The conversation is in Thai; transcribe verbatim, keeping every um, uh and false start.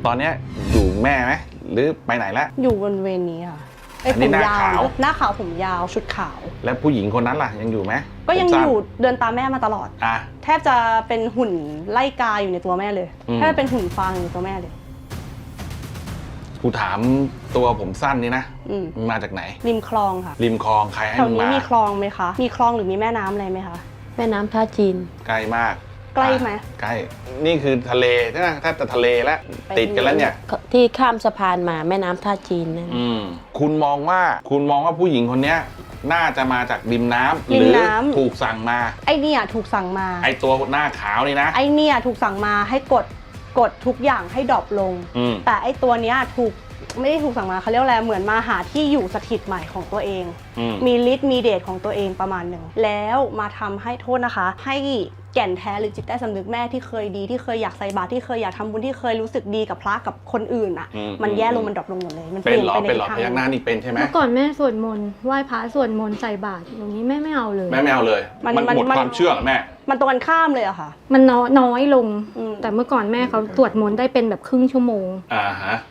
ตอนเนี้ยอยู่แม่ไหมหรือไปไหนแล้วอยู่บนเวรนี้ค่ะไอ้อันผนี้มหน้ายาวขาวหน้าขาวผมยาวชุดขาวแล้วผู้หญิงคนนั้นล่ะยังอยู่ไหมก็ยังผมสั้นอยู่เดินตามแม่มาตลอดอ่ะแทบจะเป็นหุ่นไล่กาอยู่ในตัวแม่เลยอืมแทบเป็นหุ่นฟางอยู่ในตัวแม่เลยกูถามตัวผมสั้นนี่นะอืมมันมาจากไหนริมคลองค่ะริมคลองใครให้แถวมึงนี้มามีคลองไหมคะมีคลองหรือมีแม่น้ำอะไรไหมคะแม่น้ำท่าจีนใกล้มากใกล้ไหมอ่ะใกล้นี่คือทะเลใช่ไหมแทบจะทะเลแล้วไปติดกันแล้วเนี่ยที่ข้ามสะพานมาแม่น้ำท่าจีนนั่นอืมคุณมองว่าคุณมองว่าผู้หญิงคนเนี้ยน่าจะมาจากริมน้ำหริมรือน้ำถูกสั่งมาไอเนี่ยถูกสั่งมาไอตัวหน้าขาวนี่นะไอเนี่ยถูกสั่งมาให้กดกดทุกอย่างให้ดรอปลงอืมแต่ไอตัวเนี้ยถูกไม่ได้ถูกสั่งมาเขาเรียกว่าอะไรเหมือนมาหาที่อยู่สถิตใหม่ของตัวเองอืมมีฤทธิ์มีเดชของตัวเองประมาณหนึ่งแล้วมาทำให้โทษนะคะ ให้แก่นแท้หรือจิตใต้สำนึกแม่ที่เคยดีที่เคยอยากใส่บาตรที่เคยอยากทำบุญที่เคยรู้สึกดีกับพระกับคนอื่นอ่ะอืมมันแย่ลงมันดรอปลงหมดเลยมันเป็นเหรอปลี่ยเป็นเหรอทิศพยักหน้านี่เป็นใช่ไหมเมื่อก่อนแม่สวดมนต์ไหว้พระสวดมนต์ใส่บาตรอย่างนี้แม่ไม่เอาเลยแม่ไม่เอาเลย มันหมดความเชื่อเหรอแม่มันตรงกันข้ามเลยอะค่ะมันน้อยน้อยลงอืมแต่เมื่อก่อนแม่เขาสวดมนต์ได้เป็นแบบครึ่งชั่วโมงอ่าฮะ